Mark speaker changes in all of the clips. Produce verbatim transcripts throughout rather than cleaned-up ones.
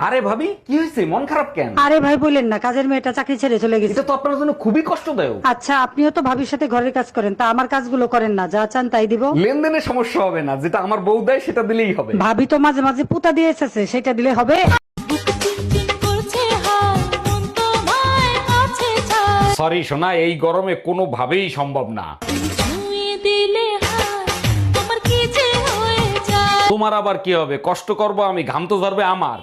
Speaker 1: আরে ভাবি কি হয়েছে, মন খারাপ কেন?
Speaker 2: আরে ভাই বলেন না, কাজের মেয়েটা চাকরি ছেড়ে চলে গেছে।
Speaker 1: এটা তো আপনার জন্য খুবই কষ্টদায়ক।
Speaker 2: আচ্ছা আপনিও তো ভাবির সাথে ঘরের কাজ করেন, তা আমার কাজগুলো করেন না, যা চান তাই দিব।
Speaker 1: লেনদেনের সমস্যা হবে না, যেটা আমার বউ দেয় সেটা দিলেই হবে।
Speaker 2: ভাবি তো মাঝে মাঝে পুতা দিয়ে এসেছে, সেটা দিলে হবে।
Speaker 1: সরি সোনা, এই গরমে কোনোভাবেই সম্ভব না। তোমার আবার কি হবে, কষ্ট করব আমি, ঘাম তো ঝরবে আমার।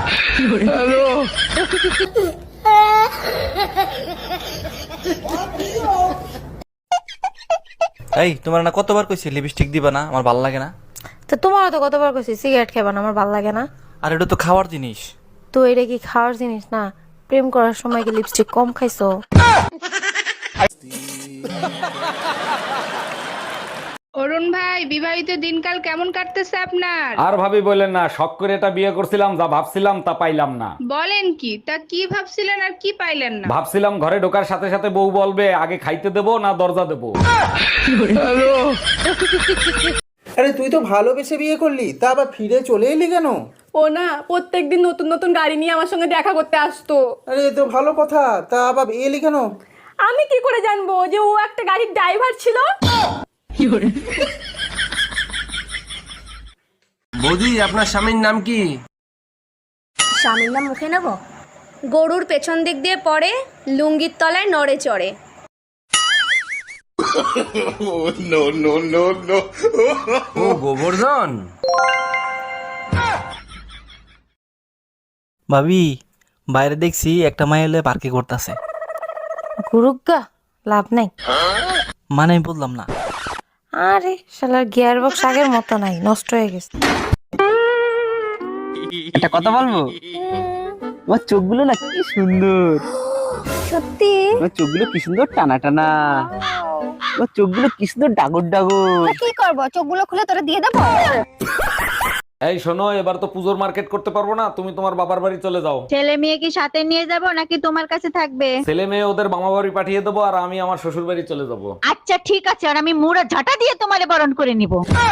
Speaker 3: এই তোমার না কতবার কইছি লিপস্টিক দিবা না, আমার ভাল লাগে না।
Speaker 4: তো তোমারও তো কতবার কইছি সিগারেট খাবা না, আমার ভাল লাগে না।
Speaker 3: আর এটা তো খাওয়ার জিনিস।
Speaker 4: তো এটা কি খাওয়ার জিনিস না? প্রেম করার সময় কি লিপস্টিক কম খাইছো?
Speaker 5: অরুণ ভাই, বিবাহিত দিনকাল কেমন কাটতেছে আপনার?
Speaker 1: আর ভাবি বললেন না, শখ করে এটা বিয়ে করছিলাম, যা ভাবছিলাম তা পাইলাম না।
Speaker 5: বলেন কি, তা কি ভাবছিলেন আর কি পাইলেন না?
Speaker 1: ভাবছিলাম ঘরে ঢোকার সাথে সাথে বউ বলবে আগে খাইতে দেবো না দরজা দেবো।
Speaker 6: আরে তুই তো ভালোবেসে বিয়ে করলি, তা আবার ফিরে চলে এলি কেন?
Speaker 7: ও না প্রত্যেকদিন নতুন নতুন গাড়ি নিয়ে আমার সঙ্গে দেখা করতে আসতো।
Speaker 6: আরে এ তো ভালো কথা, তা আবার এলি কেন?
Speaker 7: আমি কি করে জানবো যে ও একটা গাড়ির ড্রাইভার ছিল?
Speaker 8: বৌদি, আপনার স্বামীর নাম কি?
Speaker 9: স্বামীর নাম মুখে নেব? গরুর পেছন দিক দিয়ে পড়ে, লুঙ্গির তলায় নড়ে চড়ে।
Speaker 8: ও গোবর্ধন।
Speaker 3: ভাবি বাইরে দেখছি একটা মাইল পার্কে করতেছে।
Speaker 4: গুরুগা লাভ নাই।
Speaker 3: মানে আমি বললাম না।
Speaker 4: আরে শালার গিয়ার বক্স আগের মতো নাই, নষ্ট হয়ে গেছে।
Speaker 10: একটা কথা বলবো, তোমার চোখগুলো না কি সুন্দর।
Speaker 9: সত্যি?
Speaker 10: তোমার চোখগুলো কি সুন্দর টানা টানা, তোমার চোখগুলো কি সুন্দর ডাগর ডাগর।
Speaker 9: কি করবো, চোখগুলো খুলে তোরা দিয়ে দেবো?
Speaker 1: এই শোনো, এবার তো পুজোর মার্কেট করতে পারবো না, তুমি তোমার বাবার বাড়ি চলে যাও।
Speaker 9: ছেলে মেয়ে কি সাথে নিয়ে যাব নাকি তোমার কাছে থাকবে?
Speaker 1: ছেলে মেয়ে ওদের মামা বাড়ি পাঠিয়ে দেবো, আর আমি আমার শ্বশুর বাড়ি চলে যাবো।
Speaker 9: আচ্ছা ঠিক আছে, আর আমি মুড়া ঝাঁটা দিয়ে তোমারে বরণ করে নিব।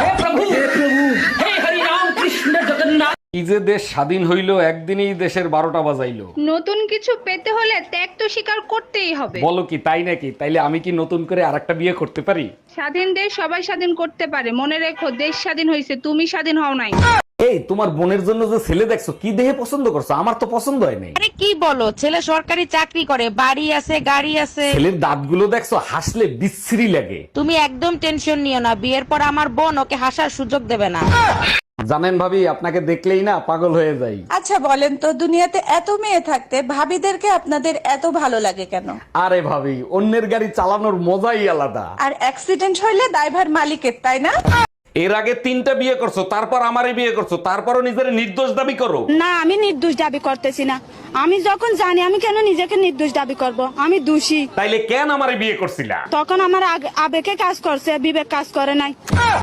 Speaker 1: কি যে দেশ স্বাধীন হইলো, একদিনই দেশের বারোটা বাজাইলো।
Speaker 5: নতুন কিছু পেতে হলে ত্যাগ তো স্বীকার করতেই হবে।
Speaker 1: বলো কি, তাই নাকি? তাইলে আমি কি নতুন করে আরেকটা বিয়ে করতে পারি?
Speaker 5: স্বাধীন দেশ সবাই স্বাধীন করতে পারে, মনে রেখো দেশ স্বাধীন হয়েছে, তুমি স্বাধীন হও নাই।
Speaker 1: এই তোমার বোনের জন্য যে ছেলে দেখছো, কি দেহে পছন্দ করছো? আমার তো পছন্দ হয় নাই।
Speaker 2: আরে কি বলো, ছেলে সরকারি চাকরি করে, বাড়ি আছে, গাড়ি আছে।
Speaker 1: ছেলের দাঁতগুলো দেখছো, হাসলে বিশ্রী লাগে।
Speaker 2: তুমি একদম টেনশন নিও না, বিয়ের পর আমার বোন ওকে হাসার সুযোগ দেবে না।
Speaker 1: জানেন ভাবি, আপনাকে দেখলেই না পাগল হয়ে যাই।
Speaker 7: আচ্ছা বলেন তো, দুনিয়াতে এত মেয়ে থাকতে ভাবিদেরকে আপনাদের এত ভালো লাগে কেন?
Speaker 1: আরে ভাবি, অন্যের গাড়ি চালানোর মজাই আলাদা।
Speaker 7: আর অ্যাক্সিডেন্ট হইলে দায়ভার মালিকের, তাই না?
Speaker 1: এর আগে তিনটা বিয়ে করছো, তারপর আমারে বিয়ে করছো, তারপরও নিজের নির্দোষ দাবি করো।
Speaker 7: না, আমি নির্দোষ দাবি করতেছি না। আমি যখন জানি, আমি কেন নিজেকে নির্দোষ দাবি করব? আমি দোষী।
Speaker 1: তাইলে কেন আমারে বিয়ে করছিলা?
Speaker 7: তখন আমার আগ- আবেগে কাজ করছে, বিবেক কাজ করে নাই।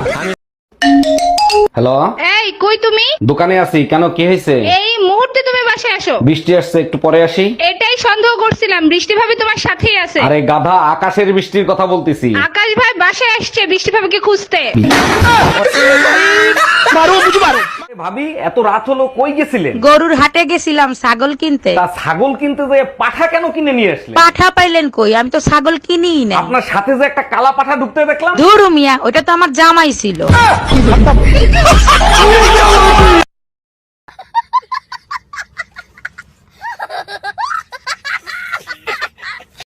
Speaker 1: হ্যালো,
Speaker 5: এই কই তুমি?
Speaker 1: দোকানে আছি, কেন কি হয়েছে?
Speaker 5: এই মুহূর্তে তুমি বাসায় আসো।
Speaker 1: বৃষ্টি আসছে, একটু পরে আসি।
Speaker 5: এটাই সন্দেহ করছিলাম, বৃষ্টি ভাবি তোমার সাথেই আছে।
Speaker 1: আরে গাধা, আকাশের বৃষ্টির কথা বলতেছি।
Speaker 5: আকাশ ভাই বাসায় আসছে বৃষ্টি ভাবিকে খুঁজতে।
Speaker 1: ভাবি, এত রাত হলো, কই গেছিলেন?
Speaker 2: গরুর হাটে গেছিলাম ছাগল কিনতে।
Speaker 1: তা ছাগল কিনতে যে পাঠা কেন কিনে নিয়ে আসলেন?
Speaker 2: পাঠা পাইলেন কই, আমি তো ছাগল কিনিই না।
Speaker 1: আপনার সাথে যে একটা কালা পাঠা ঢুকতে দেখলাম।
Speaker 2: ধুরু মিয়া, ওটা তো আমার জামাই ছিল।